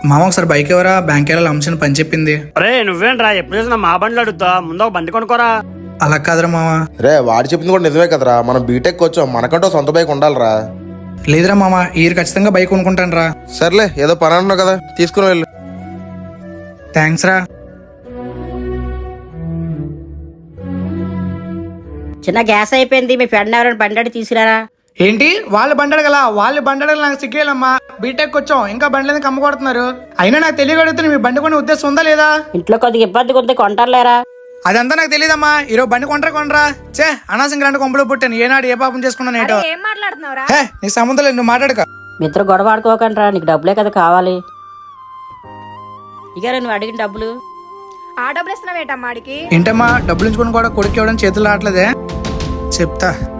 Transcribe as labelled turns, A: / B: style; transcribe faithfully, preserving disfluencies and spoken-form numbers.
A: మామ ఒకసారి బైక్ ఎవరా బ్యాంక్ వెళ్ళాలి అంశం పని చెప్పింది.
B: రే నువ్వేంట్రా ఎప్పుడు చూసినా మా బండ్లు అడుగుతా, ముందు ఒక బండి కొనుక్కోరా.
A: అలా కాదురా మామ.
C: రే వాడు చెప్పింది కూడా నిజమే కదరా, మనం బీటెక్ వచ్చాం, మనకంటూ సొంత బైక్ ఉండాలిరా.
A: లేదురా మామ, ఈ ఖచ్చితంగా బైక్ కొనుక్కుంటాను రా.
C: సర్లే ఏదో పని అన్నావు కదా, తీసుకుని వెళ్ళు.
A: థ్యాంక్స్ రా.
D: చిన్న గ్యాస్ అయిపోయింది, మీ ఫ్రెండ్ ఎవరైనా బండి తీసుకురారా.
A: ఏంటి వాళ్ళు బండి అడగల? వాళ్ళు బండి అడగల, నాకు సిగ్గేలమ్మా. బీటెక్ వచ్చాం, ఇంకా బండ్లు ఎందుకు అమ్ముకొడుతున్నారు? అయినా నాకు తెలియగలుగుతుంది మీ బండి కొనే ఉద్దేశం ఉందా లేదా?
D: ఇంట్లో కొద్దిగా ఇబ్బంది కొంత కొంటారులేరా.
A: అదంతా నాకు తెలియదమ్మా. ఈరోజు బండి కొంటరా కొనరా? చే అనవసరంగా రెండు కొంపలు పుట్టాను, ఏనాడు ఏ పాపం చేసుకున్నాను ఏంటో.
E: ఏం మాట్లాడుతున్నావురా?
A: హే నీ సంబంధం లేదు, నువ్వు మాట్లాడక.
D: మీ ఇద్దరు గొడవ ఆడుకోకండి రా, నీకు డబ్బులే కదా కావాలి. ఇక నువ్వు అడిగిన డబ్బులు.
E: ఆ డబ్బులు ఇస్తున్నావేటమ్మా ఆడికి?
A: ఏంటమ్మా డబ్బులు ఇచ్చుకుని కూడా కొడుకు ఇవ్వడం చేతులు రావట్లేదే. చెప్తా.